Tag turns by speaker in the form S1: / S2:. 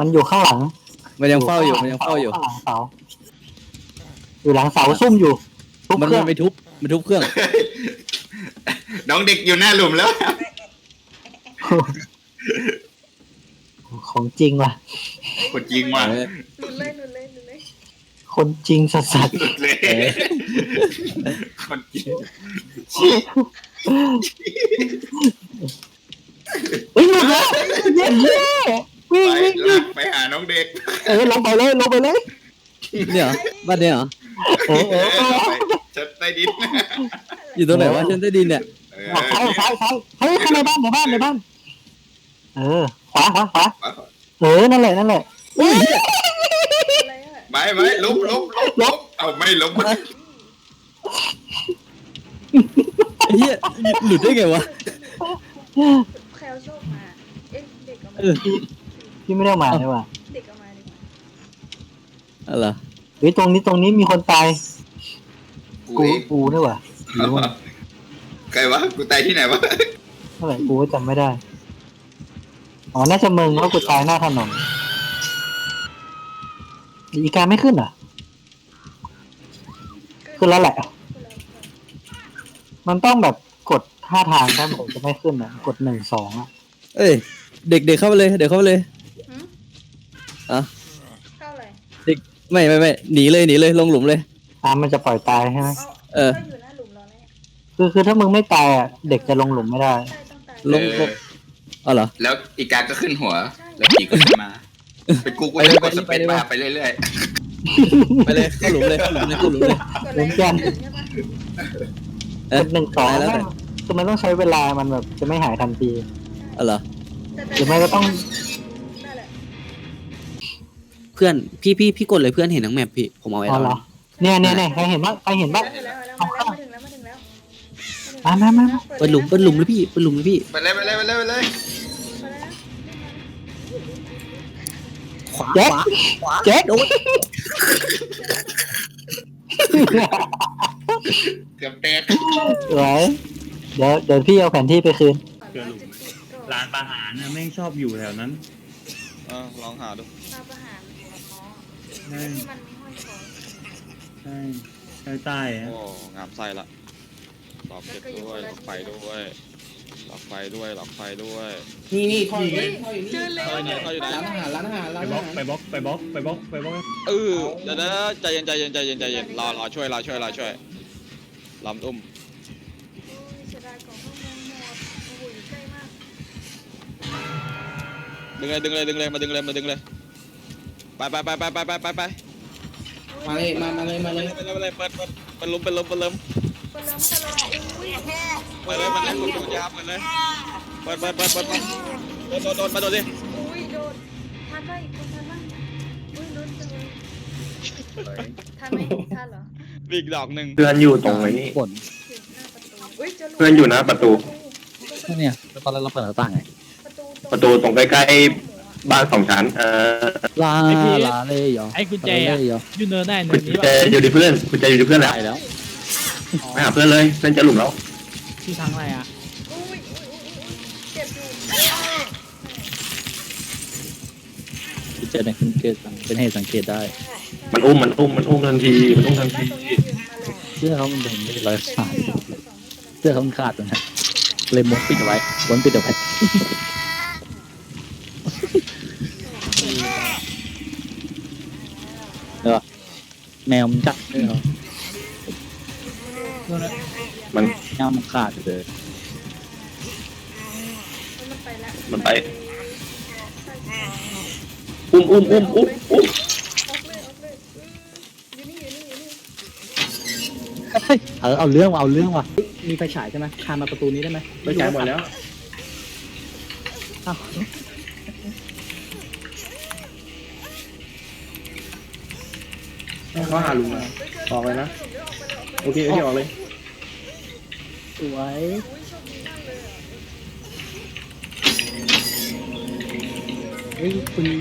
S1: มันอยู่ข้างหลัง
S2: มันยังเฝ้าอยู่มันยังเฝ้าอยู่
S1: ข้างหลังเสาอยู่หลังเสาซุ่มอยู่ทุบ
S2: มัน
S1: เครื่อง
S2: ไปทุบมันทุบเครื่อง
S3: น้องเด็กอยู่หน้าหลุมแล้ว
S1: ของจริงว่ะ
S3: คนจริงว่ะ
S4: หลุดเลยหลุดเลยหลุดเลย
S1: คนจริงสัส
S3: หลุดเลยคนจริง
S1: ๆวิ่งเลยเย้วิ่ง
S3: ไป
S1: วิ่ง
S3: ลา
S1: วิ่ง
S3: กไปหาน้องเด็ก
S1: ลงไปเลยลงไปเลย
S2: เนี่ยเหรอบ้านเนี่ยเหรอ
S3: ไปชั้นใต้ดิน
S2: อยู่ตรงไหนวะชั้นใต้ดินเนี่ย
S1: ซ้ายเฮ้ยเข้าในบ้านในบ้านขวานั่นแหละอุ้ย
S4: อะไรอ่ะ
S3: ไม่ล้มเอาไม่ล้ม
S2: ไอ้เหี้ยหลุดได้ไงวะ
S4: แคลโชคมาเอ๊ะเด็กเอามา
S1: พี่ไม่ได้มาใช่ป่ะ
S4: เด็กเอามาดีกว่า
S2: อะไร
S1: เฮ้ยตรงนี้มีคนตาย
S3: กูเอง
S1: กูนี่ว่ะ
S3: ใครวะกูตายที่ไหนวะ
S1: เท่าไหร่กูก็จำไม่ได้อ๋อน่าจะมึงเพราะกูตายหน้าถนนอีกาไม่ขึ้นเหรอขึ้นแล้วแหละ มันต้องแบบกด5 ทางถ้าผมจะไม่ขึ้นอ่ะกด1 2อ่ะ
S2: เอ้ยเด็กเข้าไปเลยเด็กเข้าไปเลย
S4: หืม
S2: อ่ะ
S4: เข้าเลย
S2: ไม่หนีเลยลงหลุมเลย
S1: มันจะปล่อยตายใช่ไหม
S2: เออ
S4: ก็อยู่หน้าหลุมรอแล้ว
S1: คือถ้ามึงไม่ตายอ่ะเด็กจะลงหลุมไม่ได้
S4: ใช่ต้องตาย
S2: ลงอ๋อเหรอ
S3: แล้วอีกาก็ขึ้นหัว แล้วผีก็ขึ้นมาเป็นกูจะกดสเปซบาร์ไปเรื่อย
S2: ไปเลยเข้าหลุมเลย
S4: กดเลย
S1: เหมือนกัน
S4: ใช่ปะ
S2: เอ๊ะ
S1: กด1 2
S2: แล้ว
S1: คือมันต้องใช้เวลามันแบบจะไม่หายทันที
S2: อ๋อเหรอ
S1: หรือไม่ก็ต้อง
S4: นั่นแหละ
S5: เพื่อนพี่กดเลยเพื่อนเห็นทั้งแมปพี่ผมเอาไว้
S1: อ๋อ
S5: แล้ว
S1: เหรอเนี่ยใครเห็นบ้าง
S4: มาแล้วมาถึงแล้ว
S1: มา
S5: เปิดหลุมเลยพี่เปิดหลุมเลยพี่
S3: ๆไปเลย
S4: มาแล้วนะ
S5: ขวา
S1: แจ็ค
S5: ขวา
S1: แจ็ค
S5: โดน
S3: เกือบแตก
S1: สวยเดี๋ยวพี่เอาแผนที่ไปคืน
S6: เจอหลุมไหม ร้านประหารน่ะแม่งชอบอยู่แถวนั้น
S2: ลองหาดู
S4: มาประหารอ๋อที่มันมีห้อยคอ
S6: ใช่ใต้ๆ
S2: โอ้
S6: อะ
S2: งามไส้ละหลอกเก็บด้วยหลอกไฟด้วยหลอกไฟด้วยหลอกไฟด้วย
S5: นี่ท่ออยู่
S4: เฮ้ย
S5: นี่ท่ออยู่
S4: เจ
S5: นี่
S4: อแล้ว
S2: เขาอยู่ไหน
S5: ร้านอาหาร
S6: ไปบล็อกไปบล็อกไปบล็อกไปบล็อก
S2: เออเดี๋ยวใจเย็นรอช่วยลำอุ้ม
S4: เสียดายของพวกมึงหมดโอ้โหอยู่ใกล้มาก
S2: ดึงเลยมาดึงเลยไป
S5: มาเลย
S2: เปิดล้ม
S4: คนเริ่มอุ้ย
S2: เปิดเลยคุณยาเปิดเลยเปิดโดนมาโดนดิ
S4: อุ้ยโดนทันได้อีกคนทันบ้างอุ้ยลุ้นจังเลยทันไหมทันเหรอ
S2: อีกดอกหนึ่ง
S7: เพื่อนอยู่ตรงไหนนี่
S2: บ่น
S4: ถึงหน้าประตูอุ้ยเจอหลุม
S7: เพื่อนอยู่หน้าประตู
S2: เนี่ยตอนแรกเราเปิดหน้าต่างไง
S7: ประตูตรงใกล้ๆบ้าน2 ชั้น
S2: ลาเลยเหรอ
S8: ไอ้กุญแจอะยูเนินได้เนิ
S7: คุณ
S8: นนี้
S7: แจ
S8: ป่ะ
S7: อยู่ที่เพื่อนคุณแจอยู่ที่เพื่อนแล้ว
S2: ได้แล้ว
S7: ไปหาเพื่อนเลยเพื่อนจะหลุมแล้ว
S8: ที่ทางอะไรอ่ะ
S4: อุ้ยเจ็บอยู่
S2: เจอในสังเกตเป็นเหตุสังเกตได้
S7: มันอุ้มทันทีมันอุ้มทันที
S2: เสื้อเขามันเป็นรอยขาดเสื้อเขามันขาดตรงนั้นเลยม้วนปิดเอาไว้ม้วนปิดเอาไว้เออแมวมันจับเลยเหรอ
S7: มัน
S2: แมวมันขาดเลย
S7: มันไปอุ้ม
S4: ออกเลยอยู่นี่
S2: เอาเรื่องว่ะ
S5: มีไฟฉายใช่ไหมคานมาประตูนี้ได้ไหม
S7: ไปจ่ายหมดแล้วเขาหาลุงมาออกเลยนะโอเคออกเลย
S2: สวย
S5: เฮ้ยคุณ